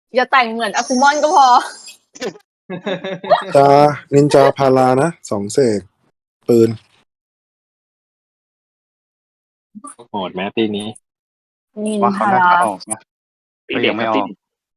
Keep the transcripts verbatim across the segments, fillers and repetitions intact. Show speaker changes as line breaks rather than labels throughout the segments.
อย่าแต่งเหมือนอากุมอนก็พอ
จานินจาพารานะสองเสกปืน
โหดแม้ตีนี้
นิน
ว่าเขา
ทา
น่า
รา
จะออกนะ
ตี
ก็
เด็
ยั
ก
ง
ค
ไม่
รับ
อ
ตี
อก
เด็ก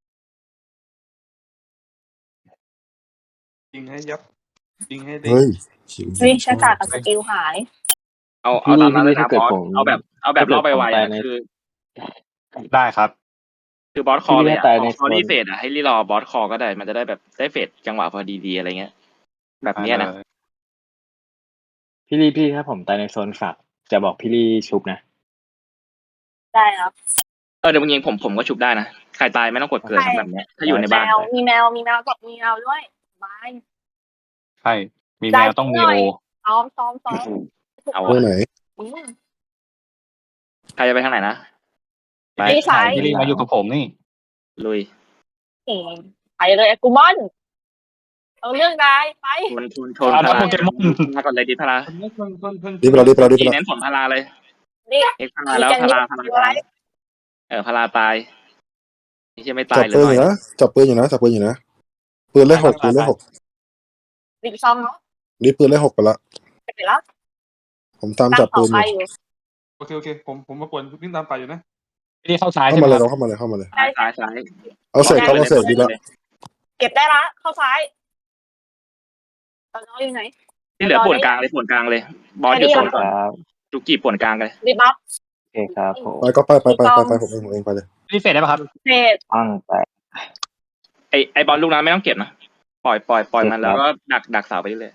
ยิงให้ยับยิงให้เด็ก
เฮ้ยชิว
เฮ้ยชะตากับสกิลหาย
เอาเอาตามนั้นเลยนะ
ถ้า
บ
เกิด
อส
ผม
เอาแบบเอาแบบรอบไวๆ
ถ้า
อ่ะ
เกิดผมตายใน
คือ
ได้ครับ
คือบอสคอ
พี่
เลย
ถ้า
อ่ะ
ตาย
พ
ใน
อ
โซ
พอน รีเฟดอ่ะให้รีรอบอสคอก็ได้มันจะได้แบบได้เฟดจังหวะพอดีๆอะไรเงี้ย แบบเนี้ยนะ
พี่ลี่พี่ถ้าผมตายในโซนฝากจะบอกพี่ลี่ชุบนะ
ได้ครับ
เออเดี๋ยวมึงยิงผมผมก็ชุบได้นะใครตายไม่ต้องกดเกิดครับแบบเนี้ยถ้าอยู่ใน
แม
บ้าน
วมีแมวมีแมวกับมีแมวด้วยบาย
ใช่ มีแมวต้องมีโอ
ซ้อมซ้อมซ้อม
เอา
เมื่อ
อะ
ไหน
อืม
ใครจะไปทางไหนนะ ไป
พี่สาย
พี่ลี่มาอยู่กับผมนี่
ลุย
เอ๋ไปเลยอากุมอนเอาเรื่องได้ไป
ชนชนชน
อ่า
พารา
โปเกมอน
มาก่อนเลยดิพารา
คนนี้คนคนคน
รีบไปแล้วรีบไปแล้วรีบไป
ที
แล้ว
เน้นผลพาราเลย
นี่
เอ็กซ์พาราแล้วพาราพาราตายเออพาราตายนี่ใช่ไม่ตา
จั
ย
บ
เล
ปืน
ย
อยู่นะจับปืนอยู่นะจับปืนอยู่นะปืนเลขหกปืนเลขหก
รีบซ้อมเนาะ
รีบปืนเลขหกไปละ
ไปแล้ว
ผมตาม
ตั้
จับ
งต่
ปื
อน
อ
ไป
ยู่
อยู่
โอเคโอเคผมผมมากวนวิ่งตามไปอยู่นะ
พี่ลี่เข้าซ้าย
เข้า
ใช่ไห
มาม เลย
ค
เรา
รับ
เข้ามาเลยเข้ามาเลย
ซ้ายซ้ายซ้าย
เอาเสกครับเอาเสกดีละ
เก็บได้ละเข้าซ้ายตอนน้องอยู่ไหน
ที่เหลือป่วนกลางเลยป่วนกลางเลย บอสอยู่โซน
ค
ก่อน
รับ
จุกจีป่วนกลางเลย
รีบบัฟ
โอเคครับผม
ไปก็ไปไปไปไปไปผมเองผมเองไปเลย
พี่ลี่เฟดได้ป่ะครับ
เฟด
ตั้งแต่
ไอไอบอลลูกนั้นไม่ต้องเก็บนะปล่อยปล่อยปล่อยมันแล้วก็ดักดักเสาไปเรื่อย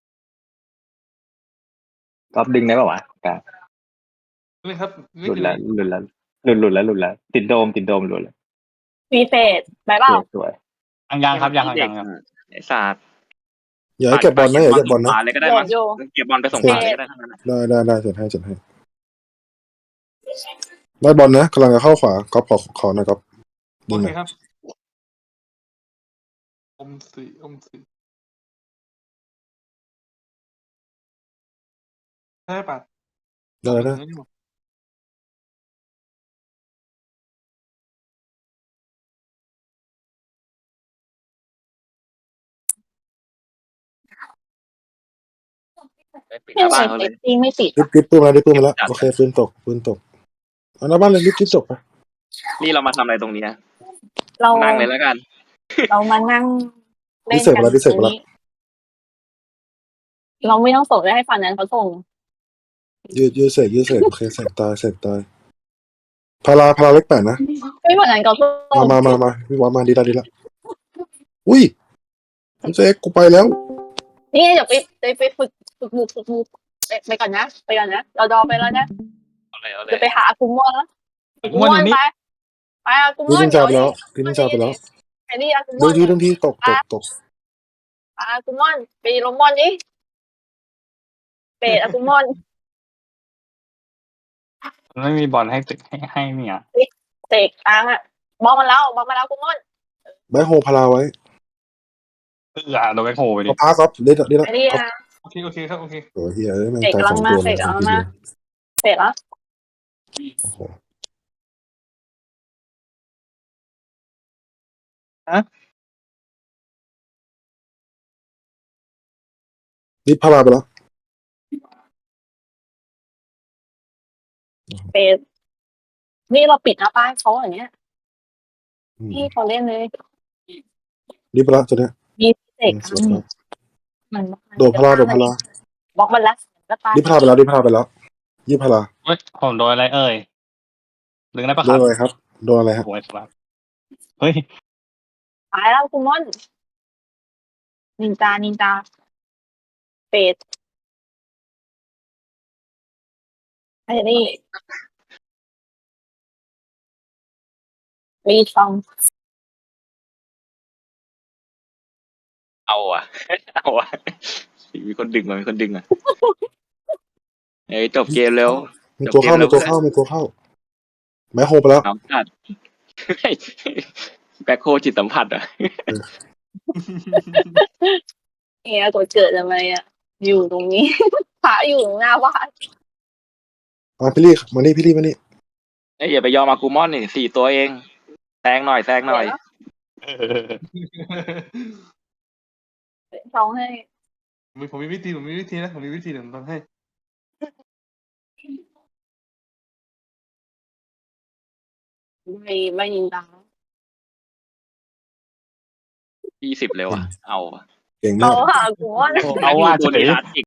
ก๊อปดึงได้ป่าวะกลาง
นี่ครับ
หลุดแล้วหลุดแล้วหลุดหลุดแล้วหลุดแล้วติดโดมติดโดมหลุดแล้ว
มีเฟดไปเปล่า
สวย
ยังยังครับยังครับ
เด็
ยั
ก
งยัง
ไอศาสตร์
อย่าให้เก็บบอลนะอย่าเก็บบอลนะ
ขวาเลยก็ได้
โย
มั้
น
ง
โย
เก็บบอลไปส่งขวาเลยก็ได้ทั้งนั้น
ได้ได้ได้จัดให้จัดให้ได้บอลนะกำลังจะเข้าขวาก๊อฟขอขอหน่อยก๊อฟ
โอ
ดึงห
เค
น่อย
ครับอมสีอมสีได้ปะ
ได้ได้
ปิดหน้าบ้านเขาเลย
จริงไม่ติด
รีบรีบปืนมารีบปืนมาแล้วโอเคปืนตกปืนตกเอาหน้าบ้านเลยรีบรีบจบไป
นี่เรามาทำอะไรตรงนี้นะ
เรา
นั่งเลยแล้วกัน
เรามานั่งเล่
พิ
น
เศษ
กั
ไป
น
แล้วพิเศษไปแล้ว
เราไม่ต้องส่งได้ให้ฝั่งนั้นเขาส่ง
ยืดยืดเสกยืดเสกโอเคเสกตายเสกตายพาราพาราเล็กแปดนะ
ไม่ฝั่งนั้นเขาส่ง
มามามามาพี่วามาดีละดีละอุ้ยเจ๊กูไปแล้ว
นี่เดี๋ยวไปไปไปฝึกฝึกมุกฝึกมุกไปไปก่อนนะไปก่อนนะเราดอไปแล้วนะ
เอาเลยเอาเล
จะ
ย
ไปหาอากุมอนแล้วอากุม
ม้วน
อ
อน ยู่นี่
ไปไปอากุม
พี่
อน
นินจาไปแล้วพี่นินจาไปแล้ว
ไอ้นี่อากุม
เดิ
อน น
ทีเดินทีตกตกตก
อากุมอนไปลงมอนนี่เปดอากุมอน
มันไม่มีบอลให้ตึกให้ให้เนี่ย
เสกกลางอ่ะบอกมาแล้วบอกมาแล้วอากุมอน
แบ็คโฮพาราไว้
เออโดนแบ็คโฮไปดิ
เอาพาครับเล่นเล่น
ไอ้นี่นะ
โอเคโอเคครับโอเค
โอ้ยเฮียแม่ง
เสก
ตาย
กำลั
ส
ง
อง
มา
ตัว
เส
เลย
กกำลังมาเสร็จแล้ว
โอ้โห
ฮะ
นี่พาราไปแล้ว
เปดนี่เราปิดหน้าป้านเขาอย่างเงี้ยพี่เขาเล่นเลย
รีบไปแล้วตัวเนี้ย
มีเสก
สวยครับ
มัน
โดดพาราโดดพารา
บล็อกมันแล้วก็ตาย
รีบพาราไปแล้วรีบพาราไปแล้วยี่พารา
เฮ้ยผมโดนอะไรเอ่ยดึงได้ปะ
โด
คน รับ
อะไรครับโดนอะไรครับ
โอ้ยครับเฮ้ย
ตายแล้วคุณมอนนินจานินจาเป็ดไอ้นี่มีซอง
เอาอ่ะ เอาอ่ะมีคนดึงมามีคนดึงอ่ะเอ้ยจบเกมแล้ว
มีตัวเข้ามีตัวเข้ามีตัวเข้าแบ็คโฮไปแล้ว
น้ำจัดแบ็คโคจิตสัมผัสอ่ะ
เฮียกดเกิดทำไมอ่ะ อยู่ตรงนี้ พระอยู่หน้าบ้าน
มาพี่ลี่มานี่พี่ลี่มานี่
เอ้ยอย่าไปยอมอากูมอนนี่สี่ตัวเองแซงหน่อยแซงหน่อย
เออ
สองให้
มีผมมีวิธีผมมีวิธีนะผมมีวิธีเดี๋ยวผมทำให้
ไม่ไม่นินตา
ยี่สิบเลยว่ะ เอาว่ะ
เก่ง
เอา
มาก
ค่ะคุณม่อน
เอาว่า
ตัว
เฉย
นี้ร้าน